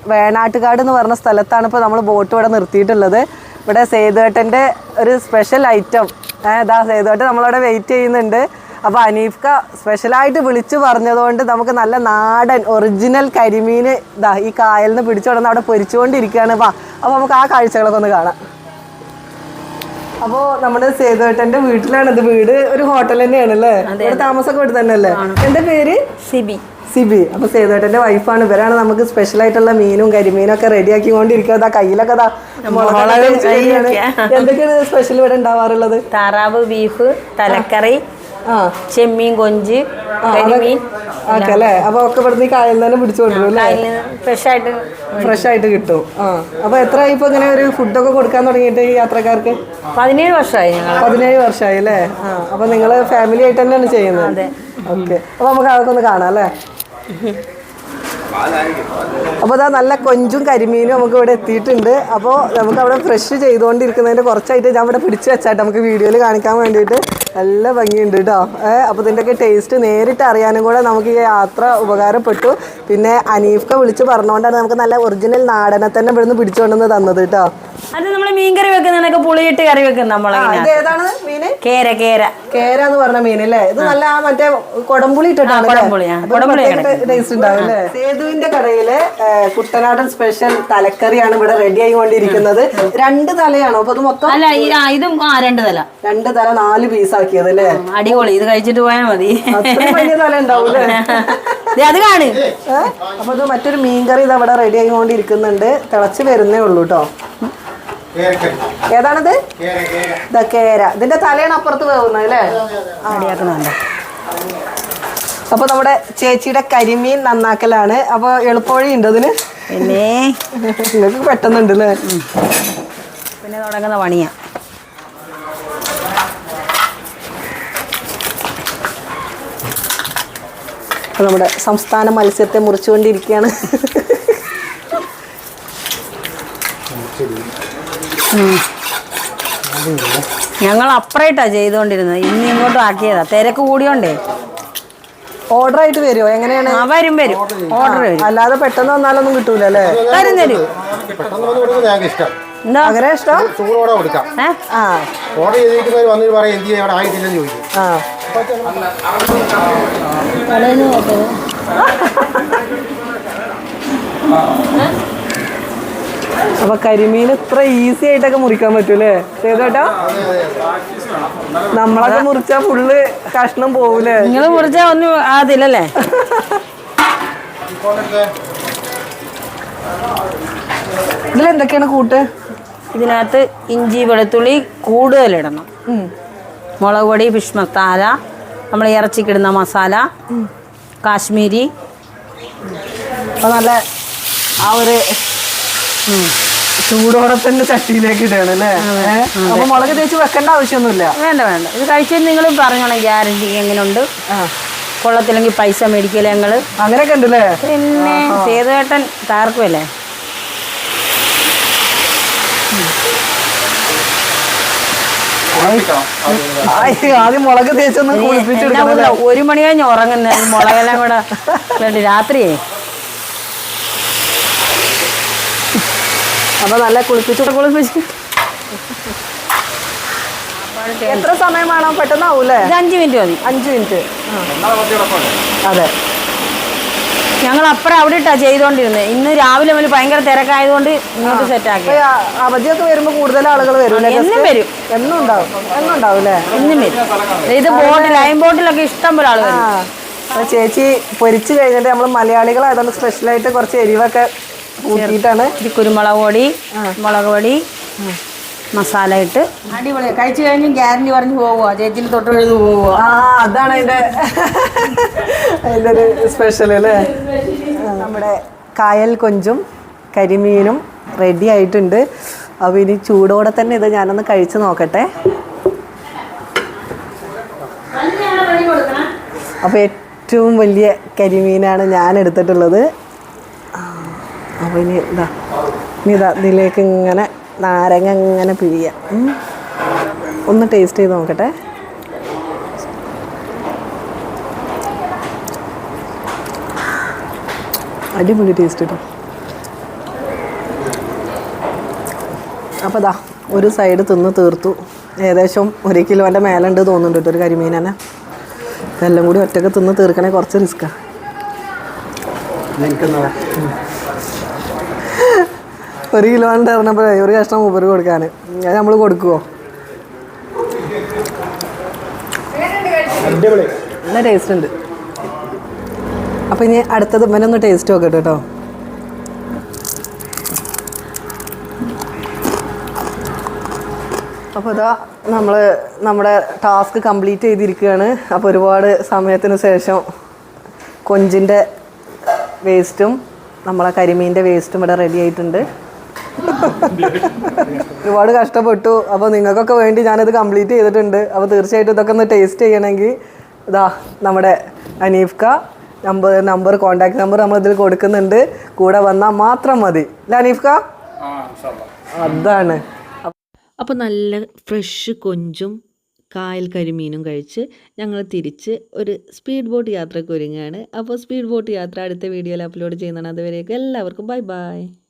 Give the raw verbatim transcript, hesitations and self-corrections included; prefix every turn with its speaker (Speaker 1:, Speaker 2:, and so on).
Speaker 1: വേണാട്ടുകാട് എന്ന് പറഞ്ഞ സ്ഥലത്താണ് ഇപ്പോൾ നമ്മൾ ബോട്ട് ഇവിടെ നിർത്തിയിട്ടുള്ളത്. ഇവിടെ സേതുവേട്ടൻ്റെ ഒരു സ്പെഷ്യൽ ഐറ്റം ഇതാ സേതുവേട്ടൻ നമ്മളവിടെ വെയിറ്റ് ചെയ്യുന്നുണ്ട്. അപ്പോൾ അനീഫ്ക സ്പെഷ്യലായിട്ട് വിളിച്ചു പറഞ്ഞതുകൊണ്ട് നമുക്ക് നല്ല നാടൻ ഒറിജിനൽ കരിമീൻ ഇതാ ഈ കായലിൽ നിന്ന് പിടിച്ചുകൊണ്ടെന്ന് അവിടെ പൊരിച്ചുകൊണ്ടിരിക്കുകയാണ്. വാ അപ്പോൾ നമുക്ക് ആ കാഴ്ചകളൊക്കെ ഒന്ന് കാണാം. അപ്പോൾ നമ്മുടെ സേതുവേട്ടൻ്റെ വീട്ടിലാണ് ഇത്. വീട് ഒരു ഹോട്ടൽ തന്നെയാണ് അല്ലേ? ഇവിടെ താമസമൊക്കെ ഇവിടെ തന്നെ അല്ലേ? എന്താ പേര്? സിബി. സിബി. അപ്പോൾ സേതുവേട്ടൻ്റെ വൈഫാണ്. ഇവരാണ് നമുക്ക് സ്പെഷ്യൽ ആയിട്ടുള്ള മീനും കരിമീനും ഒക്കെ റെഡിയാക്കി കൊണ്ടിരിക്കുക. കയ്യിലൊക്കെ എന്തൊക്കെയാണ് സ്പെഷ്യൽ ഇവിടെ ഉണ്ടാവാറുള്ളത്?
Speaker 2: താറാവ്, ബീഫ്, തലക്കറി, ചെമ്മീൻ, കൊഞ്ച്, കരിമീൻ
Speaker 1: ഒക്കെ അല്ലേ? അപ്പൊ ഒക്കെ ഇവിടുന്ന് കായലിൽ തന്നെ പിടിച്ചു കൊണ്ടുവരും അല്ലേ?
Speaker 2: ഫ്രഷ് ആയിട്ട്
Speaker 1: ഫ്രഷ് ആയിട്ട് കിട്ടും. ആ അപ്പൊ എത്ര ഇപ്പൊ ഇങ്ങനെ ഒരു ഫുഡൊക്കെ കൊടുക്കാൻ തുടങ്ങിയിട്ട് ഈ യാത്രക്കാർക്ക്?
Speaker 2: പതിനേഴ് വർഷമായി.
Speaker 1: പതിനേഴ് വർഷമായി അല്ലേ? ആ അപ്പൊ നിങ്ങള് ഫാമിലി ആയിട്ട് തന്നെയാണ് ചെയ്യുന്നത്? ഓക്കെ. അപ്പൊ നമുക്ക് അതൊക്കെ ഒന്ന് കാണാം അല്ലേ? അപ്പോൾ അതാ നല്ല കൊഞ്ചും കരിമീനും നമുക്ക് ഇവിടെ എത്തിയിട്ടുണ്ട്. അപ്പോൾ നമുക്ക് അവിടെ ഫ്രഷ് ചെയ്തുകൊണ്ടിരിക്കുന്നതിൻ്റെ കുറച്ചായിട്ട് ഞാൻ ഇവിടെ പിടിച്ച് വെച്ചായിട്ട് നമുക്ക് വീഡിയോയിൽ കാണിക്കാൻ വേണ്ടിയിട്ട് നല്ല ഭംഗിയുണ്ട് കേട്ടോ. ഏഹ് അപ്പോൾ ഇതിൻ്റെയൊക്കെ ടേസ്റ്റ് നേരിട്ട് അറിയാനും കൂടെ നമുക്ക് ഈ യാത്ര ഉപകാരപ്പെട്ടു. പിന്നെ അനീഫ്ക വിളിച്ച് പറഞ്ഞുകൊണ്ടാണ് നമുക്ക് നല്ല ഒറിജിനൽ നാടനെ തന്നെ ഇവിടുന്ന് പിടിച്ചുകൊണ്ടെന്ന് തന്നത് കേട്ടോ.
Speaker 2: അത് നമ്മൾ മീൻ കറി വെക്കുന്നതൊക്കെ പുളിയിട്ട് കറി വെക്കും നമ്മൾ.
Speaker 1: ഏതാണ് മീന്?
Speaker 2: കേര. കേര
Speaker 1: കേര എന്ന് പറഞ്ഞ മീനല്ലേ? ഇത് നല്ല മറ്റേ കൊടംപുളി ഇട്ടിട്ടാണ് ടേസ്റ്റ് ഉണ്ടാവും അല്ലേ? സേതുവിന്റെ കടയിലെ കുട്ടനാടൻ സ്പെഷ്യൽ തലക്കറിയാണ് ഇവിടെ റെഡി ആയിക്കൊണ്ടിരിക്കുന്നത്. രണ്ട് തലയാണോ? അപ്പൊ അത് മൊത്തം
Speaker 2: അല്ല, ഇതും രണ്ട് തല.
Speaker 1: രണ്ട് തല നാല് പീസ് ആക്കിയത് അല്ലേ?
Speaker 2: അടിപൊളി. ഇത് കഴിച്ചിട്ട് പോയാൽ മതി.
Speaker 1: വലിയ തല ഉണ്ടാവൂലേ?
Speaker 2: അത് കാണു.
Speaker 1: അപ്പൊ അത് മറ്റൊരു മീൻകറി ഇത് അവിടെ റെഡി ആയിക്കൊണ്ടിരിക്കുന്നുണ്ട്. തിളച്ച് വരുന്നേ ഉള്ളൂ കേട്ടോ. ഏതാണിത്? കേര. ഇതിന്റെ തലയാണ് അപ്പുറത്ത് വേവുന്നത് അല്ലേ?
Speaker 2: റെഡിയാക്കുന്നുണ്ട്.
Speaker 1: അപ്പൊ നമ്മുടെ ചേച്ചിയുടെ കരിമീൻ നന്നാക്കലാണ്. അപ്പൊ എളുപ്പവഴി ഉണ്ട് അതിന്?
Speaker 2: പിന്നെ
Speaker 1: നിങ്ങൾക്ക് പെട്ടെന്നുണ്ട് അല്ലേ?
Speaker 2: പിന്നെ തുടങ്ങുന്ന പണിയാ.
Speaker 1: നമ്മുടെ സംസ്ഥാന മത്സ്യത്തെ മുറിച്ചുകൊണ്ടിരിക്കുകയാണ്.
Speaker 2: ഞങ്ങൾ അപ്പറേറ്റാ ചെയ്തുകൊണ്ടിരുന്നത്. ഇന്ന് ഇങ്ങോട്ടും ആക്കിയതാ. തിരക്ക് കൂടിയോണ്ടേ.
Speaker 1: ഓർഡർ ആയിട്ട് വരുമോ? എങ്ങനെയാണ്?
Speaker 2: വരും വരും ഓർഡർ വരും.
Speaker 1: അല്ലാതെ പെട്ടെന്ന് വന്നാലൊന്നും കിട്ടൂല അല്ലേ?
Speaker 2: തരും തരും. എന്താ
Speaker 1: അങ്ങനെ ഇഷ്ടം? അപ്പൊ കരിമീൻ ഇത്ര ഈസി ആയിട്ടൊക്കെ മുറിക്കാൻ പറ്റൂലേ സേതുവേട്ടാ? നമ്മളൊക്കെ മുറിച്ചാ ഫുള്ള് കഷ്ണം പോവൂലേ?
Speaker 2: നിങ്ങൾ മുറിച്ചാ ഒന്നും ആദില്ലല്ലേ?
Speaker 1: ഇതിലെന്തൊക്കെയാണ് കൂട്ട്?
Speaker 2: ഇതിനകത്ത് ഇഞ്ചി വെളുത്തുള്ളി കൂടുതലിടണം. മുളക് പൊടി, ഫിഷ് മസാല, നമ്മൾ ഇറച്ചിക്കിടുന്ന മസാല, കാശ്മീരി.
Speaker 1: അപ്പോൾ നല്ല ആ ഒരു ചൂടോടെ തന്നെ ചട്ടിയിലേക്ക് ഇടണം അല്ലേ? അപ്പോൾ മുളക് തേച്ച് വെക്കേണ്ട ആവശ്യമൊന്നുമില്ല.
Speaker 2: വേണ്ട വേണ്ട. ഇത് കഴിച്ചത് നിങ്ങൾ പറഞ്ഞോണം ഗ്യാരണ്ടി എങ്ങനെയുണ്ട്. കൊള്ളത്തില്ലെങ്കിൽ പൈസ മേടിക്കല്ലേ ഞങ്ങൾ.
Speaker 1: അങ്ങനെയൊക്കെ ഉണ്ടല്ലേ?
Speaker 2: പിന്നെ സേതുവേട്ടൻ തകർക്കുമല്ലേ.
Speaker 1: ആദ്യം മുളക് തേച്ചൊന്ന് കുളിപ്പിച്ചെടുക്കണം.
Speaker 2: ഒരു മണി കഴിഞ്ഞ് ഉറങ്ങുന്ന മുളകെല്ലാം കൂടെ വേണ്ടി രാത്രിയേ.
Speaker 1: അപ്പൊ നല്ല കുളിപ്പിച്ചു കുളിപ്പിച്ച് എത്ര സമയം വേണം? പെട്ടെന്നാവൂലേ?
Speaker 2: അഞ്ച് മിനിറ്റ് മതി.
Speaker 1: അഞ്ച് മിനിറ്റ്. അതെ.
Speaker 2: ഞങ്ങൾ അപ്പുറം അവിടെ ഇട്ടാ ചെയ്തോണ്ടിരുന്നത്. ഇന്ന് രാവിലെ മുതൽ ഭയങ്കര തിരക്കായതുകൊണ്ട് ഇങ്ങോട്ട് സെറ്റാക്കി.
Speaker 1: അവധിയൊക്കെ വരുമ്പോ കൂടുതൽ ആളുകൾ വരും.
Speaker 2: എന്നും വരും.
Speaker 1: എന്നും ഉണ്ടാവും. എന്നും ഉണ്ടാവും അല്ലേ?
Speaker 2: എന്നും വരും. ഇത് ബോട്ടിൽ ലൈൻ ബോട്ടിലൊക്കെ ഇഷ്ടം പോലെ ആളുകൾ.
Speaker 1: ചേച്ചി പൊരിച്ചു കഴിഞ്ഞിട്ട് നമ്മൾ മലയാളികളായതുകൊണ്ട് സ്പെഷ്യലായിട്ട് കുറച്ച് എരിവൊക്കെ കൂട്ടിയിട്ടാണ്.
Speaker 2: ഇത് കുരുമുളക് പൊടി, മുളക് പൊടി, മസാല ഇട്ട് അടിപൊളിയാണ്. കഴിച്ചു കഴിഞ്ഞ് ഗ്യാരണ്ടി പറഞ്ഞ് പോവുക. ചേച്ചിന് തൊട്ട് എഴുതി പോവുക.
Speaker 1: ആ അതാണ് അതിൻ്റെ അതിൻ്റെ ഒരു സ്പെഷ്യൽ അല്ലേ? നമ്മുടെ കായൽ കൊഞ്ചും കരിമീനും റെഡി ആയിട്ടുണ്ട്. അപ്പോൾ ഇനി ചൂടോടെ തന്നെ ഇത് ഞാനൊന്ന് കഴിച്ച് നോക്കട്ടെ. അപ്പോൾ ഏറ്റവും വലിയ കരിമീനാണ് ഞാൻ എടുത്തിട്ടുള്ളത്. അപ്പോൾ ഇനി ഇതാ ഇനി ഇതാ ഇതിലേക്ക് ഇങ്ങനെ നാരങ്ങ ഇങ്ങനെ പിഴിയാം. ഒന്ന് ടേസ്റ്റ് ചെയ്ത് നോക്കട്ടെ. അടിപൊളി ടേസ്റ്റ് കേട്ടോ. അപ്പോൾ ദാ ഒരു സൈഡ് തിന്ന് തീർത്തു. ഏകദേശം ഒരു കിലോൻ്റെ മേലുണ്ട് തോന്നുന്നുണ്ട് കേട്ടോ ഒരു കരിമീൻ തന്നെ. ഇതെല്ലാം കൂടി ഒറ്റയ്ക്ക് തിന്ന് തീർക്കണേ കുറച്ച് റിസ്ക്കാണ്. ഒരു കിലോണ്ട് പറഞ്ഞപ്പോഴേ ഒരു കഷ്ണം മൂപ്പര് കൊടുക്കാൻ അത് നമ്മൾ കൊടുക്കുമോ? നല്ല ടേസ്റ്റ് ഉണ്ട്. അപ്പോൾ ഇനി അടുത്തത് ഇവനൊന്ന് ടേസ്റ്റ് നോക്കട്ടെ കേട്ടോ. അപ്പോൾ ഇതാ നമ്മൾ നമ്മുടെ ടാസ്ക് കംപ്ലീറ്റ് ചെയ്തിരിക്കുകയാണ്. അപ്പോൾ ഒരുപാട് സമയത്തിന് ശേഷം കൊഞ്ചിൻ്റെ വേസ്റ്റും നമ്മളെ കരിമീൻ്റെ വേസ്റ്റും ഇവിടെ റെഡി ആയിട്ടുണ്ട്. ഒരുപാട് കഷ്ടപ്പെട്ടു. അപ്പോൾ നിങ്ങൾക്കൊക്കെ വേണ്ടി ഞാനിത് കംപ്ലീറ്റ് ചെയ്തിട്ടുണ്ട്. അപ്പോൾ തീർച്ചയായിട്ടും ഇതൊക്കെ ഒന്ന് ടേസ്റ്റ് ചെയ്യണമെങ്കിൽ ഇതാ നമ്മുടെ അനീഫ്ക നമ്പർ നമ്പർ കോൺടാക്ട് നമ്പർ നമ്മളിതിൽ കൊടുക്കുന്നുണ്ട്. കൂടെ വന്നാൽ മാത്രം മതി അല്ലേ അനീഫ്ക? അതാണ്.
Speaker 3: അപ്പോൾ നല്ല ഫ്രഷ് കൊഞ്ചും കായൽ കരിമീനും കഴിച്ച് ഞങ്ങൾ തിരിച്ച് ഒരു സ്പീഡ് ബോട്ട് യാത്രയ്ക്ക് ഒരുങ്ങുകയാണ്. അപ്പോൾ സ്പീഡ് ബോട്ട് യാത്ര അടുത്ത വീഡിയോയിൽ അപ്ലോഡ് ചെയ്യുന്നതാണ്. അതുവരെയൊക്കെ എല്ലാവർക്കും ബൈ ബൈ.